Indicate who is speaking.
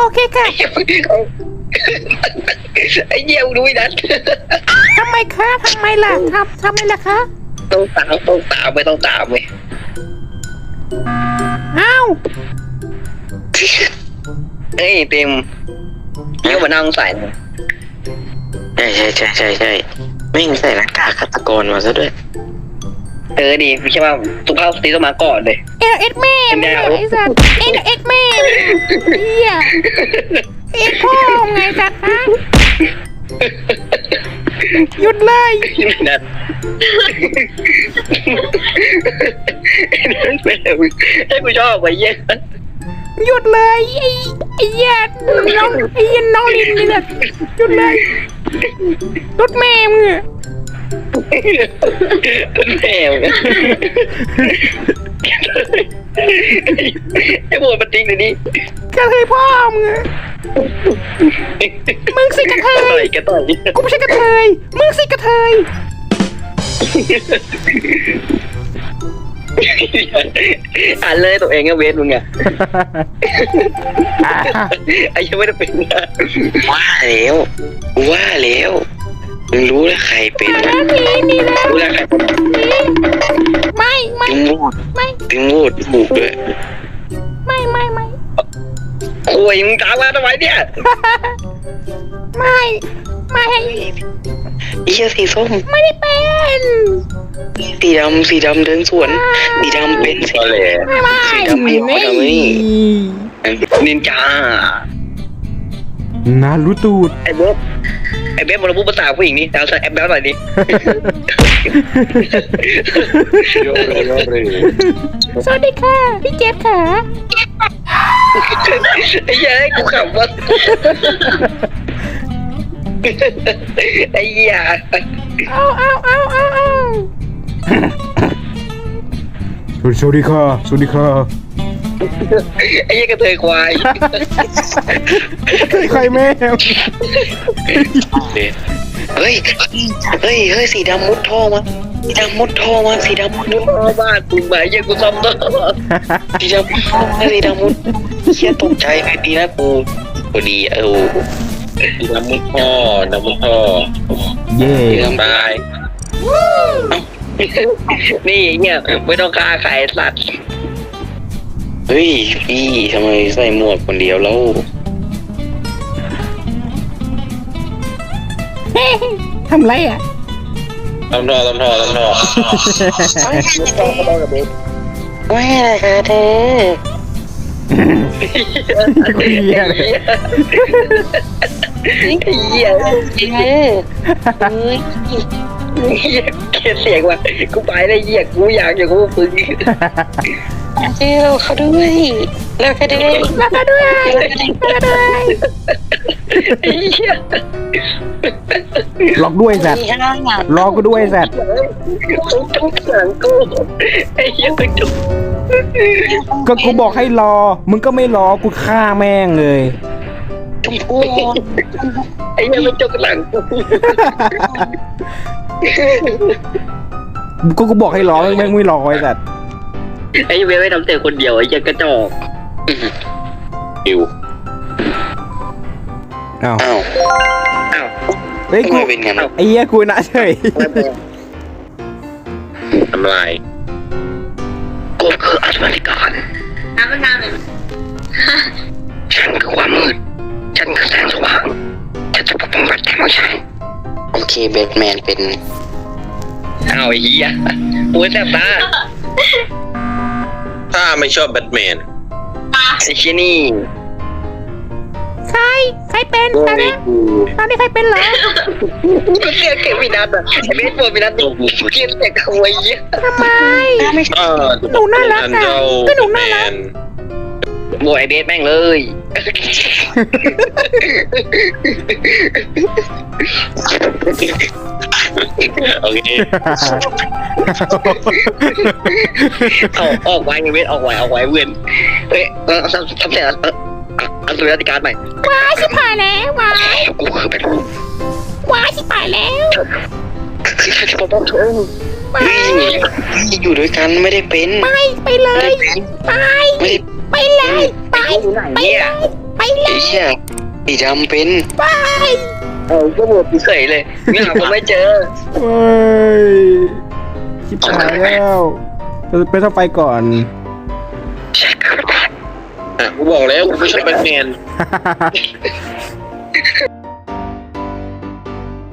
Speaker 1: เคค่ะ
Speaker 2: ไอ้เหี้ยมึงดูไอ้นัท
Speaker 1: ทำไมคะทำไมล่ะทำไมล่ะคะ
Speaker 2: ต้องตามไม่ต้องตามเว้ย
Speaker 1: อ้าว
Speaker 2: เฮ้ยเต็มเยี่ยมมานั่งใส่
Speaker 3: ใช่ไม่งใส่หน้ากากฆาตกรมาซะด้วย
Speaker 2: ดีไม่ใช่ว่าสุภาพสตรีต้องมาก่อนเลย
Speaker 1: เอ็ดแม่มึงอะไอ้สัตว์เอ็ดแม่เฮียเอ็ดพ่อไงสัตว์ฮะหยุดเลย
Speaker 2: นัทให้กูชอบไปเยี่ย
Speaker 1: หยุดเลยไอ้เหี้ยน้องน้องลินนี่แหละหยุดเลยรถแม่มึงอะ
Speaker 2: แม่ไอ้โบนมันจริงเลยนี่
Speaker 1: กระเทยพ่อมึงอะมึงสิกระเทย
Speaker 2: แกต่อย
Speaker 1: กูไม่ใช่กระเทยมึงสิกระเทย
Speaker 2: อ่านเลยตัวเองอะเวทมึงอะไอ้ยังไม่ได้เป็นนะ
Speaker 3: ว่าแล้วมึงรู้แล้วใครเป็น
Speaker 1: นี่นะ
Speaker 3: รู้แล้วใครเป็น
Speaker 1: ไม่
Speaker 3: ถึงพูดถูกเลย
Speaker 1: ไม่
Speaker 2: โอ้ยมึงตามมาทำไมเนี่ย
Speaker 1: ไม่
Speaker 3: อีเหี้ยสีส้ม
Speaker 1: ไม่ได้เป็น
Speaker 3: สีดำเดินสวนสีดำเป็นสีเหลือง
Speaker 1: ไม่
Speaker 3: สีดำไม่ยอมทำนี่
Speaker 2: นินจา
Speaker 1: นารู้ตูด
Speaker 2: ไอ้เบ๊บมันพูดภาษาผู้หญิงนี่ดาวใส่แอปแล้วหน่อยดิ
Speaker 1: สวัสดีค่ะพี่เจฟค่ะ
Speaker 2: ไอ้เหี้ยกูขำวะไอ้เหี้ย
Speaker 1: เอาสวัสดีค่ะ
Speaker 2: ไอ้เหี้ยกระเทยควาย
Speaker 1: ใครแม่
Speaker 3: เฮ้ยสีดำมุดท่อมาสีดำมุดท่อมา
Speaker 2: บ้านมึงไหมยังกูซ้ำต่อ
Speaker 3: สีดำมุดท่อมาสีดำมุดเชี่ยตกใจไปดีนะกูพอดีสีดำมุดท่อ
Speaker 1: เย่
Speaker 3: สีดำตาย
Speaker 2: นี่เนี่ยไม่ต้องฆ่าใครสัตว์
Speaker 3: เฮ้ยพี่ทำไมใส่หมวกคนเดียวแล้ว
Speaker 1: ทำไรอ่ะ
Speaker 3: ทำท่อ
Speaker 2: ไม่ต้องกับเบ๊
Speaker 3: ไม่เลยค่ะเธอ
Speaker 1: เหี้ยเลย
Speaker 2: ไอ้เหี้ยเกลียดเสียงว่ะกูไปได้เหี้ยกูอยากอยู่กูฝึก
Speaker 3: เจ้าเขาด้วยแล้วก็ด้วย
Speaker 1: แล้วก็ด้วย
Speaker 2: ไอ้เหี้ย
Speaker 1: หลอกด้วยสัตว์รอกูด้วยสัตว์
Speaker 2: ทุกอย่างกูไอ้เหี้ยเป็นจุก
Speaker 1: ก็กูบอกให้รอมึงก็ไม่รอกูฆ่าแม่งเลย
Speaker 3: ชมพู
Speaker 2: ไอ้เหี้ยเป็นจุกหลังกู
Speaker 1: กูบอกให้รอแม่งไม่รอไอ้สัตว์
Speaker 2: ไอ้เว้ยไม่ทำเสียงคนเดียวไอ้เหี้ยกระจอก
Speaker 3: อิว
Speaker 1: อ้าว
Speaker 3: อ้าว
Speaker 2: อ้าว
Speaker 1: เฮ้ย
Speaker 3: ทำ
Speaker 1: กู
Speaker 3: ไมเป็นงั้น
Speaker 1: ไอ้เหี้ยกูนะเฉย
Speaker 3: ทำลาย
Speaker 2: กูคืออัศวินการ
Speaker 4: น้ำมันน้ำเลย
Speaker 2: ฉันคือความมืดฉันคือแสงสว่างฉันจะปกป้องรัฐแห่งของฉัน
Speaker 3: โอเคแบทแมนเป็น
Speaker 2: อ้าวไอ้เหี้ยโอ้ยแสบตา
Speaker 3: ถ้าไม่ชอบแบทแมน
Speaker 2: ไอ้เชี่ยนี่
Speaker 1: ใครเป็นตอนนี้ใครเป็นเหรอ
Speaker 2: กูเกลียดเก็บวินัทอ่ะไอ้เบสบอลวินัทกูเกลียดเสียงขโมยเหี้ย
Speaker 1: ทำไม หนูน่ารักอะก็หนูน่ารัก
Speaker 2: โบยไอ้เบสแม่งเลย
Speaker 3: โอเค
Speaker 2: เอาออกไว้ไอ้เบสออกไว้เว้นเฮ้ยทำเสียงอันสุดราชการใหม่
Speaker 1: ว้ายชิบหายแล้วว้าย
Speaker 2: กูคือเป็น
Speaker 1: ว้ายชิบหายแล้ว
Speaker 2: คือฉันจะปกป้องเธอ
Speaker 1: ไป
Speaker 3: อยู่ด้วยกันไม่ได้เป็น
Speaker 1: ไปเลยไป
Speaker 3: ไม่ได้
Speaker 1: ไปเลยไป
Speaker 2: อยู่ไหน
Speaker 1: ไป
Speaker 2: เนี่ย
Speaker 1: เลยไปไปเล
Speaker 3: ไอ้
Speaker 1: ย
Speaker 3: เชี่ยสีดำเป็น
Speaker 1: ไป
Speaker 2: ก็หมดเฉยเลยเนี่ยผมไม่เจอ
Speaker 1: เฮ้ยชิบหายแล้วไปต้องไปก่อน
Speaker 2: กูบอกแล้วกูไม่ใช่แบทแมน